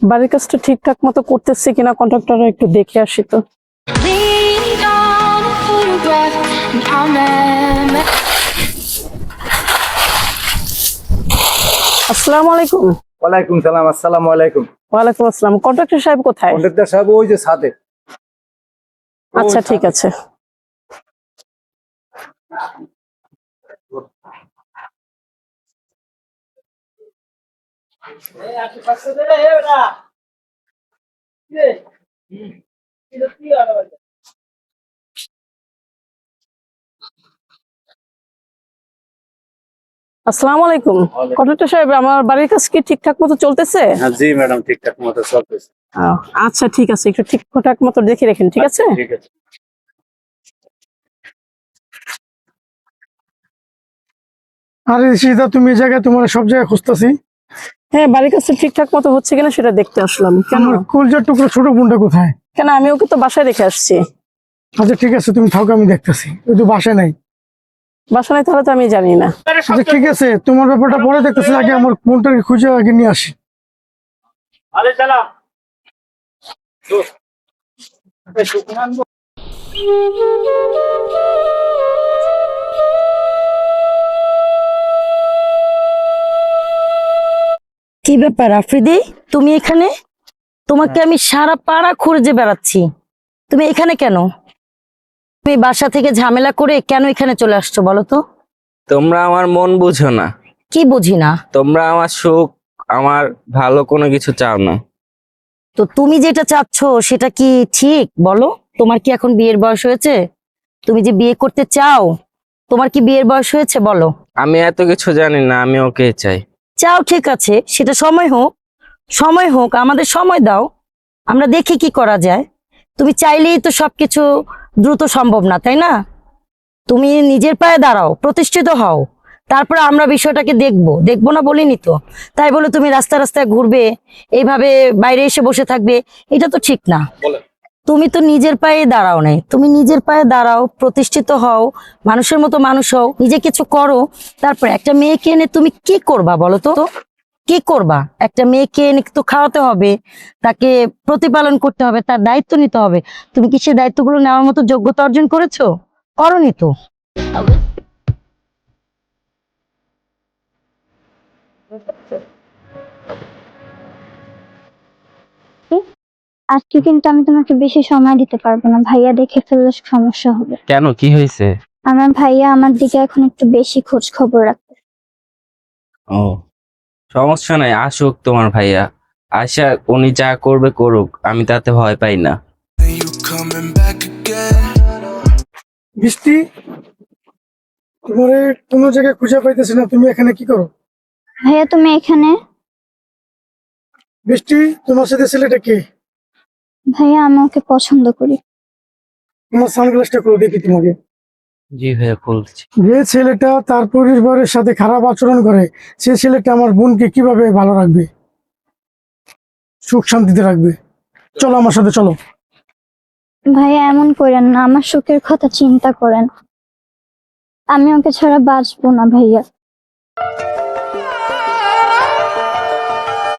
বাড়ির কাজটা ঠিকঠাক মতো করতেছে কিনা কন্ট্রাক্টররা একটু দেখে আসি তো। আসসালামু আলাইকুম। ওয়ালাইকুম সালাম। আসসালামু আলাইকুম। ওয়ালাইকুম আসসালাম। কন্ট্রাক্টর সাহেব কোথায়? কন্ট্রাক্টর সাহেব ওই যে ছাদে। আচ্ছা ঠিক আছে। আসসালামু আলাইকুম। কন্ট্রাক্টর সাহেব, আমার বাড়ির কাজ কি ঠিকঠাক মতো চলতেছে? হ্যাঁ জি ম্যাডাম, ঠিকঠাক মতো চলতেছে। আচ্ছা ঠিক আছে, একটু ঠিকঠাক মতো দেখে রাখেন, ঠিক আছে? ঠিক আছে। আরে সীতা, তুমি এই জায়গায়, তোমার সব জায়গায় খুঁজতেছি। হ্যাঁ, বাড়ির কাজটা ঠিকঠাক মতো হচ্ছে কিনা সেটা দেখতে আসলাম। কেন? আমার কলজার টুকরো ছোট বোনটা কোথায়? কেন, আমি ওকে তো বাসায় রেখে আসছি। আচ্ছা ঠিক আছে, তুমি থাকো, আমি দেখতেছি। ওই তো বাসায় নাই। বাসা নাই তাহলে তো আমি জানি না। আচ্ছা ঠিক আছে, তোমার ব্যাপারটা পরে দেখতেছি, আগে আমার বোনটাকে খুঁজে আগে নিয়ে আসি। কি ব্যাপার আফ্রিদি, তুমি এখানে? তোমাকে আমি সারা পাড়া খুঁজে বেড়াচ্ছি, তুমি এখানে কেন? তুমি বাসা থেকে ঝামেলা করে কেন এখানে চলে আসছো বলো তো? তোমরা আমার মন বুঝো না। কি বুঝি না? তোমরা আমার সুখ, আমার ভালো কোনো কিছু চাও না। তো তুমি যেটা চাচ্ছ সেটা কি ঠিক বলো? তোমার কি এখন বিয়ের বয়স হয়েছে? তুমি যে বিয়ে করতে চাও, তোমার কি বিয়ের বয়স হয়েছে বলো? আমি এত কিছু জানি না, আমি ওকে চাই। চাও, ঠিক আছে, সেটা সময় হোক, সময় হোক, আমাদের সময় দাও, আমরা দেখি কি করা যায়। তুমি চাইলেই তো সবকিছু দ্রুত সম্ভব না, তাই না? তুমি নিজের পায়ে দাঁড়াও, প্রতিষ্ঠিত হও, তারপরে আমরা বিষয়টাকে দেখবো। দেখবো না বলিনি তো। তাই বলে তুমি রাস্তায় রাস্তায় ঘুরবে, এইভাবে বাইরে এসে বসে থাকবে, এটা তো ঠিক না। তুমি তো নিজের পায়ে দাঁড়াও নাই, তুমি নিজের পায়ে দাঁড়াও, প্রতিষ্ঠিত হও, মানুষের মতো মানুষ হও, নিজে কিছু করো। তারপর একটা মেয়েকে এনে তুমি কি করবা বলো তো? কি করবা? একটা মেয়েকে এনে তো খাওয়াতে হবে, তাকে প্রতিপালন করতে হবে, তার দায়িত্ব নিতে হবে। তুমি কি সেই দায়িত্বগুলো নেওয়ার মতো যোগ্যতা অর্জন করেছো? করনি তো। আজকে কিন্তু আমি তোমাকে বেশি সময় দিতে পারবো না, ভাইয়া দেখে ফেললে সমস্যা হবে। কেন, কি হয়েছে? আমার ভাইয়া আমার দিকে এখন একটু বেশি খোঁজ খবর রাখে। ও, সমস্যা নাই, আসুক তোমার ভাইয়া। আশা উনি যা করবে করুক, আমি তাতে ভয় পাই না। বৃষ্টি, তোমার কোনো জায়গায় খুঁজে পাইতেছি না, তুমি এখানে কি করো? ভাইয়া তুমি এখানে? বৃষ্টি, তোমার সাথে ছেলেটা কে? ভাইয়া আমি ওকে পছন্দ করি। তোমার সানগ্লাসটা করে দেখি তোমাকে। জি ভাইয়া, খুলছি। যে ছেলেটা তার পরিবারের সাথে খারাপ আচরণ করে, সে ছেলেটা আমার বোনকে কিভাবে ভালো রাখবে, সুখ শান্তিতে রাখবে? চলো আমার সাথে, চলো। ভাইয়া এমন করেন না, আমার সুখের কথা চিন্তা করেন। আমি ওকে ছাড়া বাঁচবো না ভাইয়া।